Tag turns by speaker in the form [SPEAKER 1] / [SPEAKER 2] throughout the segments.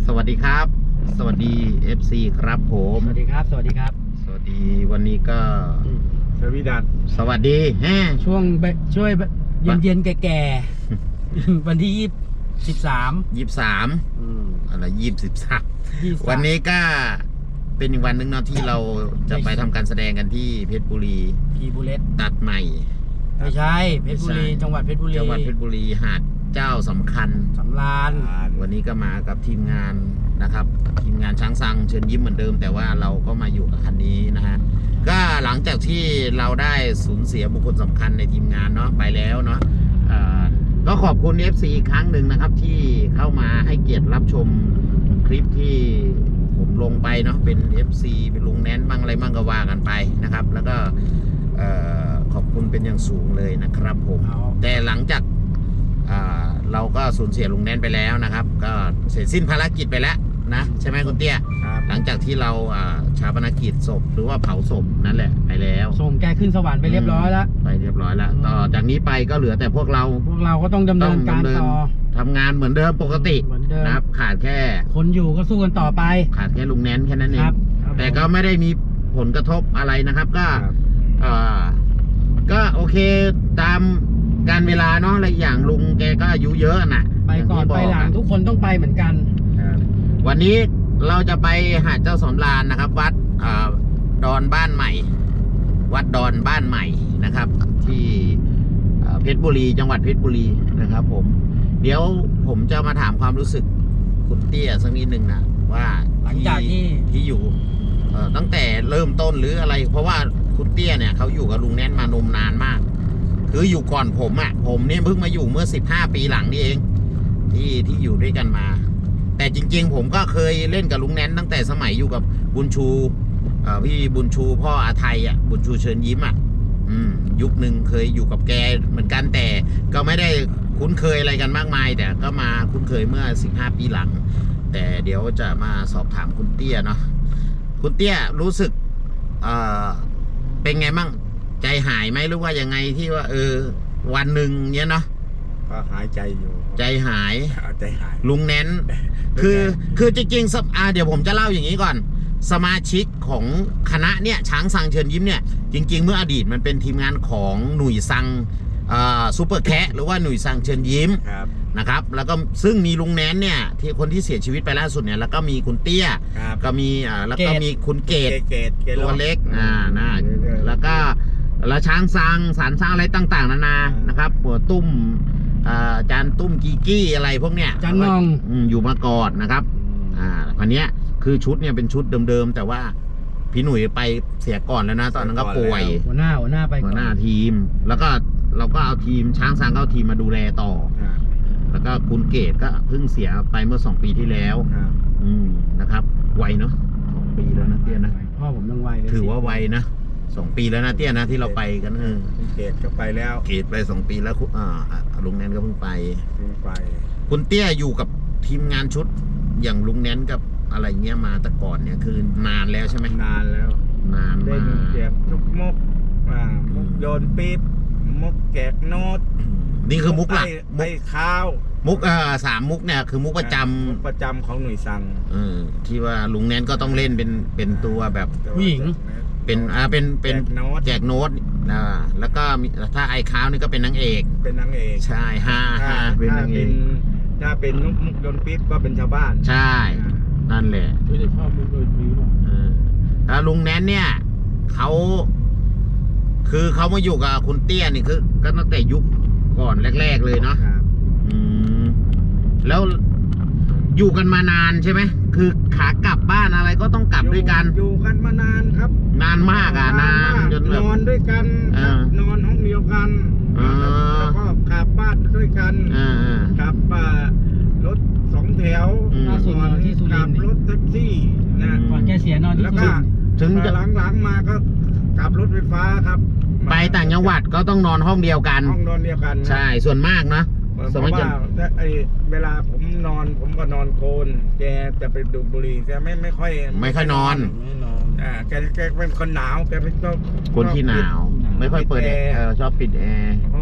[SPEAKER 1] สวัสดีครับ สวัสดี FC ครับผม
[SPEAKER 2] สวัสดีครับ สวัสดีครับ
[SPEAKER 1] สวัสดีวันนี้ก็
[SPEAKER 3] สวีดัส
[SPEAKER 1] สวัสดี
[SPEAKER 2] ช่วงช่วยเย็นแก่ๆ วันที่23
[SPEAKER 1] อะไร23วันนี้ก็เป็นอีกวันหนึ่งเนาะที่เราจะไปทำการแสดงกันที่เพชรบุรี
[SPEAKER 2] พีบูเลต
[SPEAKER 1] ตัดใหม่
[SPEAKER 2] ไม่ใช่เพชรบุรี จังหวัดเพชรบุรี
[SPEAKER 1] จังหวัดเพชรบุรีหาดเจ้าสำคัญ
[SPEAKER 2] สำราญ
[SPEAKER 1] วันนี้ก็มากับทีมงานนะครับ ทีมงานช้างซังเชิญยิ้มเหมือนเดิม แต่ว่าเราก็มาอยู่กับคันนี้นะฮะก็หลังจากที่เราได้สูญเสียบุคคลสำคัญในทีมงานเนาะไปแล้วเนาะก็ขอบคุณ FC อีกครั้งหนึ่งนะครับที่เข้ามาให้เกียรติรับชมคลิปที่ผมลงไปเนาะเป็น FC เป็นลุงแนนบ้างอะไรบ้างก็ว่ากันไปนะครับ แล้วก็ขอบคุณเป็นอย่างสูงเลยนะครับผมแต่หลังจากเราก็สูญเสียลุงแนนไปแล้วนะครับ ก็เสร็จสิ้นภารกิจไปแล้วนะใช่ไหมคุณเตี้ยหลังจากที่เราชาปนกิจศพหรือว่าเผาศพนั่นแหละไปแล้ว
[SPEAKER 2] ส่งแกขึ้นสวรรค์ไปเรียบร้อยแล้ว
[SPEAKER 1] ไปเรียบร้อยแล้วต่อจากนี้ไปก็เหลือแต่พวกเรา
[SPEAKER 2] ก็ต้องดำเนินการต่อ
[SPEAKER 1] ทำงานเหมือนเดิมปกตินะครับขาดแค่
[SPEAKER 2] คนอยู่ก็สู้กันต่อไป
[SPEAKER 1] ขาดแค่ลุงแนนแค่นั้นเองแต่ก็ไม่ได้มีผลกระทบอะไรนะครับก็โอเคตามการเวลาเนาะอะไรอย่างลุงแกก็อายุเยอะน่ะ
[SPEAKER 2] ไปก่อนไปหลังทุกคนต้องไปเหมือนกัน
[SPEAKER 1] วันนี้เราจะไปหาดเจ้าสำราญนะครับวัดดอนบ้านใหม่วัดดอนบ้านใหม่นะครับที่เพชรบุรีจังหวัดเพชรบุรีนะครับผมเดี๋ยวผมจะมาถามความรู้สึกคุณเตี้ยสักนิดนึงนะว่า
[SPEAKER 2] หลังจาก
[SPEAKER 1] ที่อยู่ตั้งแต่เริ่มต้นหรืออะไรเพราะว่าคุณเตี้ยเนี่ยเขาอยู่กับลุงแนนมานมนานมากคืออยู่ก่อนผมผมเนี่ยเพิ่งมาอยู่เมื่อ15 ปีหลังนี่เองที่อยู่ด้วยกันมาแต่จริงๆผมก็เคยเล่นกับลุงแนนตั้งแต่สมัยอยู่กับบุญชูพี่บุญชูพ่ออาไทยบุญชูเชิญยิ้มยุคหนึ่งเคยอยู่กับแกเหมือนกันแต่ก็ไม่ได้คุ้นเคยอะไรกันมากมายแต่ก็มาคุ้นเคยเมื่อ15 ปีหลังแต่เดี๋ยวจะมาสอบถามคุณเตี้ยเนาะคุณเตี้ยรู้สึกเป็นไงมั่งใจหายไหมหรือว่ายังไงที่ว่าวันหนึ่งเนี้ยเนาะ
[SPEAKER 3] ก็หายใจอยู่
[SPEAKER 1] ใจหาย
[SPEAKER 3] ลุ
[SPEAKER 1] งแนนคือจริงๆเดี๋ยวผมจะเล่าอย่างนี้ก่อนสมาชิกของคณะเนี่ยช้างซังเชิญยิ้มเนี่ยจริงๆเมื่ออดีตมันเป็นทีมงานของหนุ่ยซังซูเปอร์แคะหรือว่าหนุ่ยซังเชิญยิ้มนะครับแล้วก็ซึ่งมีลุงแนนเนี่ยที่คนที่เสียชีวิตไปล่าสุดเนี่ยแล้วก็มีคุณเตี้ยก็มีแล้วก็มีคุณเกตตัวเล็กนะแล้วก็แล้วช้างซังสารสร้างอะไรต่างๆนานานะครับหัวตุ้มจานตุ้มกีกี้อะไรพวกเนี้ย
[SPEAKER 2] จานนอง
[SPEAKER 1] อยู่มาก่อนนะครับวันนี้คือชุดเนี่ยเป็นชุดเดิมๆแต่ว่าพี่หนุ่ยไปเสียก่อนแล้วนะตอนนั้นก็ป่วย
[SPEAKER 2] หัวหน้าไป
[SPEAKER 1] หัวหน้าทีมแล้วก็เราก็เอาทีมช้างซังเข้าทีมมาดูแลต่อแล้วก็คุณเกตก็เพิ่งเสียไปเมื่อ2 ปีที่แล้วนะครับไวเนาะ2 ปีแล้วนะเตี้ยนะ
[SPEAKER 2] พ่อผมยังไวเลย
[SPEAKER 1] ถือว่าไวนะ2 ปีแล้วนะเตี้ยนะที่เราไปกัน
[SPEAKER 3] เกตก็ไปแล้ว
[SPEAKER 1] เกตไป2 ปีแล้วลุงแนนก็เพิ่งไปคุณเตี้ยอยู่กับทีมงานชุดอย่างลุงแนนกับอะไรเงี้ยมาแต่ก่อนเนี่ยคือนานแล้วใช่ไหม
[SPEAKER 3] นานแล้ว
[SPEAKER 1] นาน
[SPEAKER 3] มาเก็บทุกมุกโยนปี๊บมุกแกกโน้ต
[SPEAKER 1] นี่คือมุกหลัก
[SPEAKER 3] มุกข้าว
[SPEAKER 1] มุก3 มุกเนี่ยคือมุกประจ
[SPEAKER 3] ำของหน่วยซัง
[SPEAKER 1] ที่ว่าลุงแนนก็ต้องเล่นเป็นตัวแบบ
[SPEAKER 2] ผู้หญิง
[SPEAKER 1] เป็นแจกโน้ตแล้วก็ถ้าไอ้ข้าวนี่ก็เป็นนางเอกใช่เป็นนางเอก
[SPEAKER 3] ถ้าเป็นมุกโยนปี๊บก็เป็นชาวบ้าน
[SPEAKER 1] ใช่นั่นแหละ
[SPEAKER 2] ไม่ได้ชอบมุกโยนปี๊บ
[SPEAKER 1] แล้วลุงแนนเนี่ยคือเขามาอยู่กับคุณเตี้ยนี่คือก็ตั้งแต่ยุคก่อนแรกๆเลยเนาะแล้วอยู่กันมานานใช่ไหมคือขากลับบ้านอะไรก็ต้องกลับด้วยกัน
[SPEAKER 3] อยู่กันมานานครับ
[SPEAKER 1] นานมากนาน
[SPEAKER 3] จนนอนด้วยกันนอนห้องเดียวกันแล้วก็ขับบ้านด้วยกันขับรถ2 แถวขับรถแท็กซี่
[SPEAKER 2] นะก่อนแกเสียนอน
[SPEAKER 3] แล้วก็ถึงหลังมาก็ขับรถไฟฟ้าครับ
[SPEAKER 1] ไปต่างจังหวัดก็ต้องนอนห้องเดียวกันใช่ส่วนมากนะ
[SPEAKER 3] สมัยก่อนเวลาผมนอนผมก็นอนโกนแกจะไปดูบุหรี่แกไม่ค่อย
[SPEAKER 1] นอน
[SPEAKER 3] แกเป็นคนหนาวแกเป็น
[SPEAKER 1] คนที่หนาวไม่ค่อยเปิดแอร์ชอบปิดแอร์
[SPEAKER 3] เพราะว่า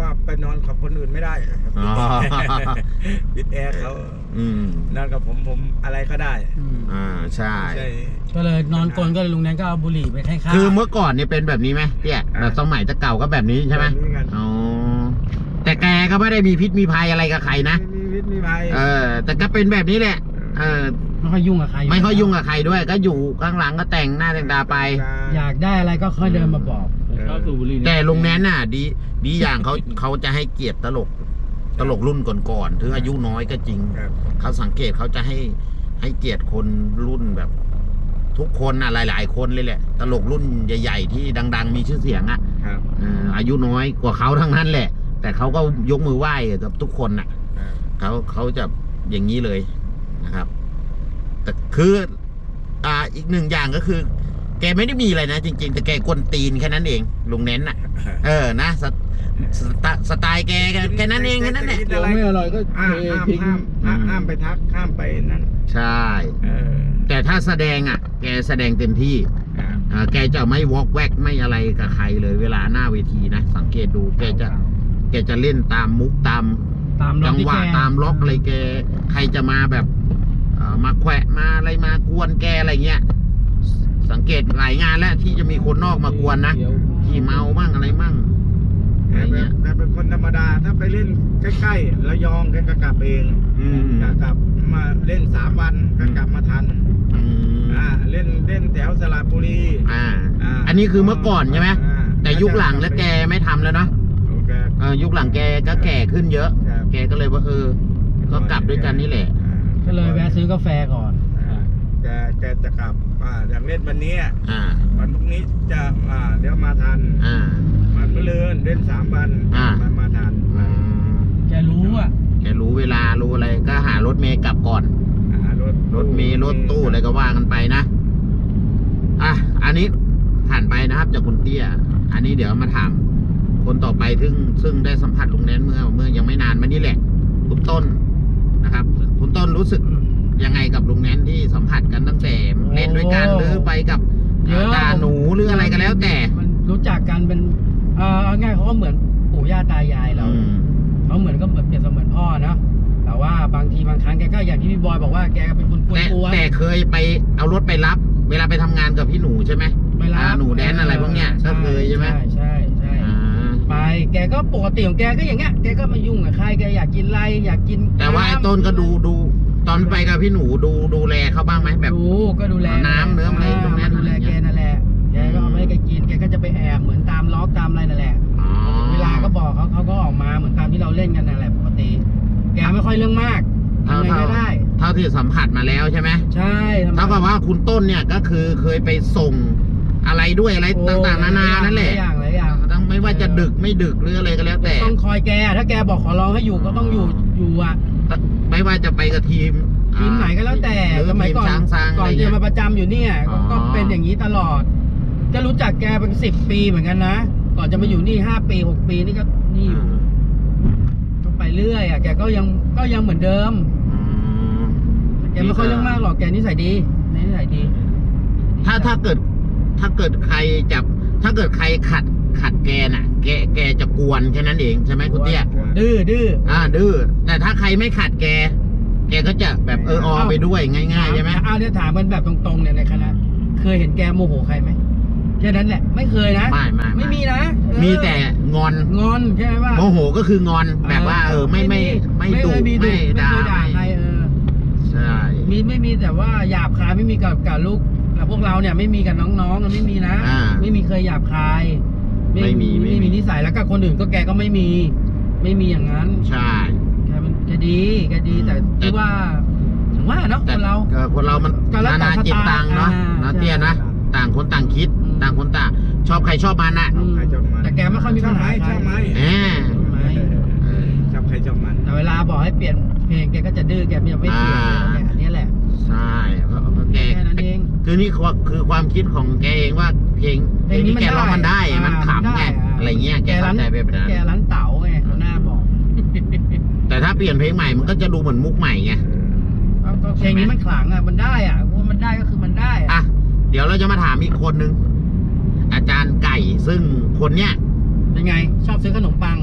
[SPEAKER 3] ว่าไปนอนกับคนอื่นไม่ได้
[SPEAKER 1] อ๋อ
[SPEAKER 3] ปิดแอร์เขา นอนกับผมอะไรก็ได้
[SPEAKER 1] ใช่
[SPEAKER 3] ใช่
[SPEAKER 2] ก็เลยนอนกลนก็เลยลุงแนนก็เอาบุหรี่ไปให้ข้าว
[SPEAKER 1] คือเมื่อก่อนเนี่ยเป็นแบบนี้ไหมเนี่ยแบบสมัยแต่เก่าก็แบบนี้ใช่ไหม
[SPEAKER 3] แบบนี้กัน
[SPEAKER 1] อ๋อแต่แกก็ไม่ได้มีพิษมีภัยอะไรกับใครนะ
[SPEAKER 3] ไม่มีพิษมีภัย
[SPEAKER 1] แต่ก็เป็นแบบนี้แหละ
[SPEAKER 2] ไม่ค่อยยุ่งกับใคร
[SPEAKER 1] ไม่ค่อยยุ่งกับใครด้วย ก็อยู่ข้างหลังก็แต่งหน้าแต่งตาไป
[SPEAKER 2] อยากได้อะไรก็ค่อยเดินมาบอก
[SPEAKER 3] ชอบสูบบุหรี่
[SPEAKER 1] แต่ลุงแนนน่ะดีอย่างเขาจะให้เกียรติตลกรุ่นก่อนๆถึงอายุน้อยก็จริง
[SPEAKER 3] ครับ
[SPEAKER 1] เขาสังเกตเขาจะให้เกียรติคนรุ่นแบบ ทุกคนอ่ะหลายๆคนเลยแหละ ตลกรุ่นใหญ่ๆที่ดังๆมีชื่อเสียงอ่ะ
[SPEAKER 3] ครับ
[SPEAKER 1] อายุน้อยกว่าเขาทั้งนั้นแหละ แต่เขาก็ยกมือไหว้กับทุกคนน่ะเขาจะอย่างนี้เลยนะครับ แต่คืออีกหนึ่งอย่างก็คือ แกไม่ได้มีอะไรนะจริงๆแต่แกกวนตีนแค่นั้นเองลุงเน้นน่ะ นะสไตล์แกแค่นั้นเองแค่นั้นแหละ
[SPEAKER 3] เดี๋ยวไม่อร่อยก็ห้ามไปทักห้ามไปนั่น
[SPEAKER 1] ใช่ แต่ถ้าแสดงแกแสดงเต็มที่แกจะไม่วอกแวกไม่อะไรกับใครเลยเวลาหน้าเวทีนะสังเกตดูแกจะเล่นตามมุกตามจังหวะตามล็อกอะไรแกใครจะมาแบบมาแขวะมาอะไรมากวนแกอะไรเงี้ยสังเกตหลายงานแล้วที่จะมีคนนอกมากวนนะที่เมามั่งอะไรมั่งอะไรเงี้ย
[SPEAKER 3] แต่เป็นคนธรรมดาถ้าไปเล่นใกล้ๆระยองแกก็กลับเองกลับมาเล่น3 วันก็กลับมาทันเล่นแถวสระบุรี
[SPEAKER 1] อันนี้คือเมื่อก่อนใช่ไหมแต่ยุคหลังแล้วแกไม่ทำแล้วเนาะยุคหลังแกก็แก่ขึ้นเยอะ แกก็เลยว่าก็กลับด้วยกันนี่แหละ
[SPEAKER 2] ก็เลยแวะซื้อกาแฟก่อน
[SPEAKER 3] แกจะกลับอยากเล่นวันนี้วันพรุ่งนี้จะเดี๋ยวมาทันมันก็เลื่อนเล่น3 วันมาทัน
[SPEAKER 2] แกรู้
[SPEAKER 1] แกรู้เวลารู้อะไรก็หารถเมล์กลับก่อนรถเมล์รถตู้อะไรก็ว่ากันไปนะอันนี้ผ่านไปนะครับจากคุณเตี้ยอันนี้เดี๋ยวมาถามคนต่อไปซึ่งได้สัมผัสลุงแนนเมื่อยังไม่นานมานี้แหละคุณต้นนะครับคุณต้นรู้สึกยังไงกับลุงแนนที่สัมผัสกันตั้งแต่เล่นด้วยกันหรือไปกับจ่าหนูหรืออะไรก็แล้วแต่
[SPEAKER 2] มันรู้จักกันเป็นง่ายเขาก็เหมือนปู่ย่าตายายเราเขาเหมือนก็เปรียบเสมือนพ่อนะแต่ว่าบางทีบางครั้งแกก็อย่างที่พี่บอยบอกว่าแกเป็นคนกวน
[SPEAKER 1] แต่เคยไปเอารถไปรับเวลาไปทำงานกับพี่หนูใช่ไหมหนูแดนอะไรพวกเนี้ยก็เคยใช่ไหม
[SPEAKER 2] ใช่ไปแกก็ปกติของแกก็อย่างเงี้ยแกก็มายุ่งกับใครแกอยากกินอะไรอยากกิน
[SPEAKER 1] แต่ว่าไอ้ต้นก็ดูตอนไปกับพี่หนูดูแลเขาบ้างไหมแบบ
[SPEAKER 2] ก็ดูแล
[SPEAKER 1] น้ำเนื้ออะไรตรงนี้
[SPEAKER 2] ดูแลแกนั่นแหละแกก็เอาให้แกกินแกก็จะไปแอบเหมือนตามล็อกตามอะไรนั่นแหละเวลาก็บอกเขาก็ออกมาเหมือนตามที่เราเล่นกันนั่นแหละปกติแกไม่ค่อยเรื่องมากทำไงก็ได้
[SPEAKER 1] เท่าที่สัมผัสมาแล้วใช่ไหม
[SPEAKER 2] ใช่
[SPEAKER 1] เท่ากับว่าคุณต้นเนี่ยก็คือเคยไปส่งอะไรด้วยอะไรต่างๆนานานั่นแหละ
[SPEAKER 2] หลายอย่าง
[SPEAKER 1] ต้องไม่ว่าจะดึกไม่ดึกหรืออะไรก็แล้วแต่
[SPEAKER 2] ต้องคอยแกถ้าแกบอกขอร้องให้อยู่ก็ต้องอยู่
[SPEAKER 1] ไม่ว่าจะไปกับทีม
[SPEAKER 2] ไหนก็แล้วแต่สมัยก่อนจะมาประจำอยู่เนี่ยก็เป็นอย่างนี้ตลอดจะรู้จักแกเป็น10 ปีเหมือนกันนะก่อนจะมาอยู่นี่5 ปี6 ปีนี่ก็นี่อยู่ก็ไปเรื่อยแกก็ยังเหมือนเดิมแกไม่ค่อยเรื่องมากหรอกแกนิสัยดี
[SPEAKER 1] ถ้าเกิดใครจับถ้าเกิดใครขัดแกน่ะแกจะกวนแค่นั้นเองใช่ไหมคุณเตี้ย
[SPEAKER 2] ดื้อดื้
[SPEAKER 1] อแต่ถ้าใครไม่ขัดแกก็จะแบบไปด้วยง่ายๆใช่ไหม
[SPEAKER 2] เนี่ยถามมันแบบตรงๆเนี่ยในคณะเคยเห็นแกโมโหใครไหมแค่นั้นแหละไม่เคยนะไม่มีนะ
[SPEAKER 1] มีแต่งอน
[SPEAKER 2] ใช่ไหมว่า
[SPEAKER 1] โมโหก็คืองอนแบบว่าไม่ดุไม่ด่า
[SPEAKER 2] ใคร
[SPEAKER 1] ใช่
[SPEAKER 2] ไม่มีแต่ว่าหยาบคายไม่มีกับลูกพวกเราเนี่ยไม่มีกับน้องๆไม่มีนะไม่มีเคยหยาบคายไม่มีนิสัยแล้วก็คนอื่นก็แกก็ไม่มีอย่างนั้น
[SPEAKER 1] ใช่
[SPEAKER 2] แกดีแต่ที่ว่าเนาะคน
[SPEAKER 1] เรามันนานาจิตตังเนาะเตี้ยนะต่างคนต่างคิดต่างคนต่างชอบใครชอบมันน่ะ
[SPEAKER 2] แต่แกไม่ค่อยมีปัญหา
[SPEAKER 3] ชอบไหมชอบใครชอบมัน
[SPEAKER 2] แต่เวลาบอกให้เปลี่ยนเพลงแกก็จะดื้อแกไม่เปลี่ยนอันนี้แหละ
[SPEAKER 1] ใช่เพราะแกคือนี่คือความคิดของแกเองว่าเพลงนี้แกร้องมันได้มันขำไงอะไรเงี้ยแกเข้าใจไปแบบนั้น
[SPEAKER 2] แกร้านเต๋าไงเขาหน้าบอก
[SPEAKER 1] แต่ถ้าเปลี่ยนเพลงใหม่มันก็จะดูเหมือนมุกใหม่ไง
[SPEAKER 2] เพลงนี้มันขลังมันได้ว่ามันได้ก็คือมันได้
[SPEAKER 1] เดี๋ยวเราจะมาถามอีกคนนึงอาจารย์ไก่ซึ่งคนเนี้ย
[SPEAKER 2] เป็นไงชอบซื้อขนมปัง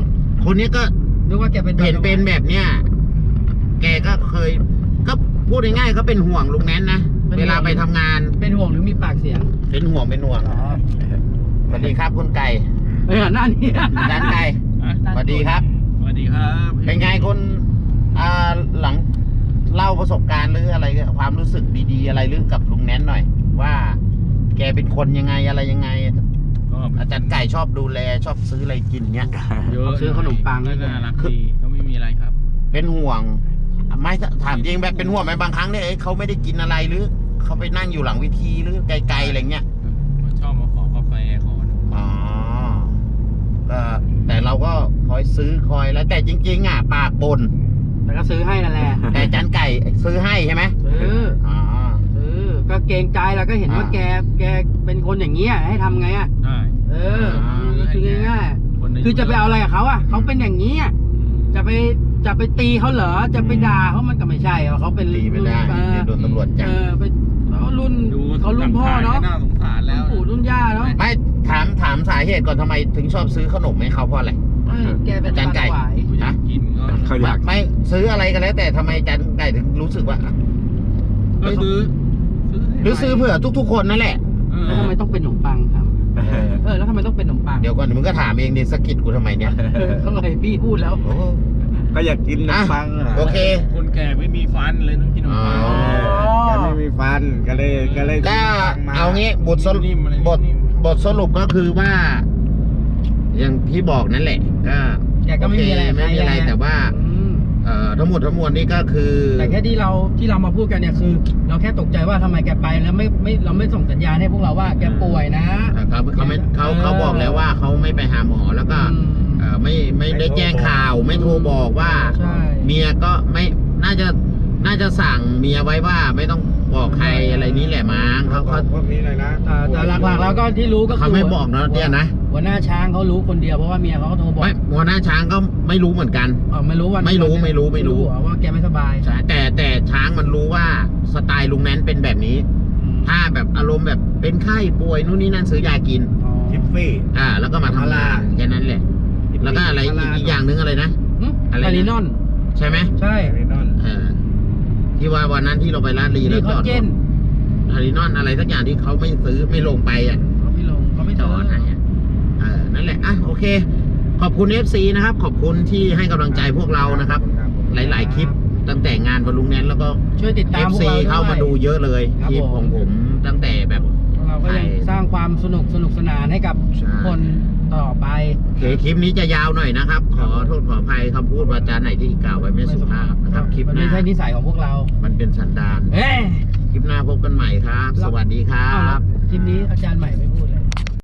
[SPEAKER 1] คนนี้ก็
[SPEAKER 2] นึกว่าแกเป็น
[SPEAKER 1] เห็นเป็นแบบเนี้ยแกก็เคย ก็พูดง่ายๆก็เป็นห่วงลุงแนนนะเวลาไปทำงาน
[SPEAKER 2] เป็นห่วงหรือมีปากเสียง
[SPEAKER 1] เป็นห่วงสวัสดีครับคุณไก่
[SPEAKER 2] หน้านี้
[SPEAKER 1] ร้านไก่สวัสดีครับ
[SPEAKER 3] สวัสดีครับ
[SPEAKER 1] เป็นไงคุณหลังเล่าประสบการณ์หรืออะไรความรู้สึกดีๆอะไรหรือกับลุงแนนหน่อย ว่าแกเป็นคนยังไงอะไรยังไง
[SPEAKER 3] ก็
[SPEAKER 1] อาจารย์ไก่ชอบดูแลชอบซื้ออะไรกินเงี้ย
[SPEAKER 3] เยอะ
[SPEAKER 2] ซื้อขนมปัง
[SPEAKER 3] ก็น่ารักดีก็ไม่มีอะไรครับ
[SPEAKER 1] เป็นห่วงไม่ถามจริงแบบเป็นห่วงไหมบางครั้งเนี่ยเขาไม่ได้กินอะไรหรือเขาไปนั่งอยู่หลังเวทีหรือไกลๆอะไรเงี้ย
[SPEAKER 3] ชอบมาขอกาแฟขอ
[SPEAKER 1] อ๋อก็แต่เราก็คอยซื้อคอยแล้วแต่จริงๆอ่ะปากบน
[SPEAKER 2] แต่ก็ซื้อให้นั่นแหละ
[SPEAKER 1] แต่อาจารย์ไก่ซื้อให้ใช่ไหไหม
[SPEAKER 2] ซื้อ
[SPEAKER 1] อ๋อ
[SPEAKER 2] ก็เกรงใจแล้วก็เห็นว่าแกเป็นคนอย่างเงี้ยให้ทำไงอ่ะ
[SPEAKER 3] ได้
[SPEAKER 2] คือง่ายๆคือจะไปเอาอะไรกับเขาอ่ะเขาเป็นอย่างนี้จะไปตีเขาเหรอจะไปด่าเขามันก็ไม่ใช่เขาเป็น
[SPEAKER 1] ตีไม่ได้เดี๋ยวโดนตำรวจจับ
[SPEAKER 2] ไปเขารุ่นพ่อเนาะ
[SPEAKER 3] น่าสงสารแล้ว
[SPEAKER 2] ปู่รุ่นย่าเนาะ
[SPEAKER 1] ไม่ถามสาเหตุก่อนทำไมถึงชอบซื้อขนมให้เขาเพราะอะไร
[SPEAKER 2] แกเป็น
[SPEAKER 1] อาจารย์ไก่
[SPEAKER 2] ถวาย
[SPEAKER 3] อยากกินก็
[SPEAKER 4] เขาอยาก
[SPEAKER 1] ไม่ซื้ออะไรกันแล้ว แต่ทำไมอาจารย์ไก่ถึงรู้สึกว่า
[SPEAKER 3] ก็ซื้อ
[SPEAKER 1] หรือซื้อเผื่อทุกๆคนนั่นแหละ
[SPEAKER 2] แล้วทำไมต้องเป็นขนมปังครับแล้วทำไมต้องเป็นขนมปัง
[SPEAKER 1] เดี๋ยวก่อนมึงก็ถามเองดิสะกิดกูทำไมเนี่ย
[SPEAKER 2] เขาเลยพี่พูดแล้ว
[SPEAKER 1] โอ้
[SPEAKER 4] ก็อยากกินขนมปังอ่ะ
[SPEAKER 1] โอเค
[SPEAKER 3] คนแก่ไม่มีฟันเลยต้องกินขนมปัง
[SPEAKER 1] อ๋อ
[SPEAKER 4] แกไม่มีฟันก็เลย
[SPEAKER 1] ก็เอางี้บทสรุป
[SPEAKER 3] นิ่มอะไร
[SPEAKER 1] บทสรุปก็คือว่า อย่างที่บอกนั่นแหละ ก็
[SPEAKER 2] แกก็ไม่มีอะไร
[SPEAKER 1] โเคไม่มีอะไรแต่ว่าทั้งหมดทั้งมวลนี่ก็คือ
[SPEAKER 2] แต่แค่ที่เรามาพูดกันเนี่ยคือ เราแค่ตกใจว่าทำไมแกไปแล้วเราไม่ส่งสัญญาณให้พวกเราว่าแกป่วยนะ
[SPEAKER 1] เขาบอกแล้วว่าเขาไม่ไปหาหมอแล้วก็ไม่ได้แจ้งข่าวไม่โทรบอกว่า
[SPEAKER 2] ใช่
[SPEAKER 1] เมียก็ไม่น่าจะสั่งเมียไว้ว่าไม่ต้องบอกใครอะไรนี้แหละมั้งเขา
[SPEAKER 3] พวกนี้เลยนะ
[SPEAKER 2] แต่หลักๆแล้วก็ที่รู้ก็คือ
[SPEAKER 1] เขาไม่บอกเนาะเนี่ยนะ
[SPEAKER 2] หัวหน้าช้างเขารู้คนเดียวเพราะว่าเมียเขาโทรบอก
[SPEAKER 1] ไม่หัวหน้าช้างก็ไม่รู้เหมือนกัน
[SPEAKER 2] ไม่รู้วัน
[SPEAKER 1] ไม่รู้
[SPEAKER 2] ว่าแกไม่สบาย
[SPEAKER 1] ใช่แต่ช้างมันรู้ว่าสไตล์ลุงแนนเป็นแบบนี้ ถ้าแบบอารมณ์แบบเป็นไข้ป่วยนู่นนี่นั่นซื้อยากิน
[SPEAKER 3] ทิฟฟี่
[SPEAKER 1] แล้วก็มาทำงานแค่นั้นแหละ แล้วก็อะไรอีกอย่างหนึงอะไรนะ อะไรนะ
[SPEAKER 2] ไทลินอน
[SPEAKER 1] ใช่ไหม
[SPEAKER 2] ใช่
[SPEAKER 1] ที่ว่าวันนั้นที่เราไปลาดลีแล้
[SPEAKER 2] นี่
[SPEAKER 1] วจ
[SPEAKER 2] เขา
[SPEAKER 1] อด
[SPEAKER 2] เจน
[SPEAKER 1] ไทลินอนอะไรสักอย่างที่เขาไม่ซื้อไม่ลงไป
[SPEAKER 2] เขาไม่ลงเขาไม่
[SPEAKER 1] จ
[SPEAKER 2] จ
[SPEAKER 1] อ
[SPEAKER 2] อ
[SPEAKER 1] ด
[SPEAKER 2] ด
[SPEAKER 1] ให้นั่นแหละโอเค ขอบคุณ FC นะครับ ขอบคุณที่ให้กำลังใจพวกเรานะครับ หลายๆคลิปตั้งแต่งานบอลลุงแนนแล้วก็
[SPEAKER 2] ช่วยติดตามพวก
[SPEAKER 1] FC
[SPEAKER 2] เราด้วย
[SPEAKER 1] เข้ามาดูเยอะเลย
[SPEAKER 2] ครับ
[SPEAKER 1] คลิปของผมตั้งแต่แบบ
[SPEAKER 2] เราก็ยังสร้างความสนุกสนานให้กับ
[SPEAKER 1] ใช่
[SPEAKER 2] คนต่อไป
[SPEAKER 1] โอเคคลิปนี้จะยาวหน่อยนะครับ ขอโทษขออภัยคำพูดวาจาไหนที่กล่าวไว้ไม่สุภาพนะครับคลิป
[SPEAKER 2] มัน
[SPEAKER 1] ห
[SPEAKER 2] ไม่
[SPEAKER 1] น้า
[SPEAKER 2] ใช่นิสัยของพวกเรา
[SPEAKER 1] มันเป็นสันดาน
[SPEAKER 2] เอ้ย
[SPEAKER 1] คลิปหน้าพบกันใหม่ครับ สวัสดีครับ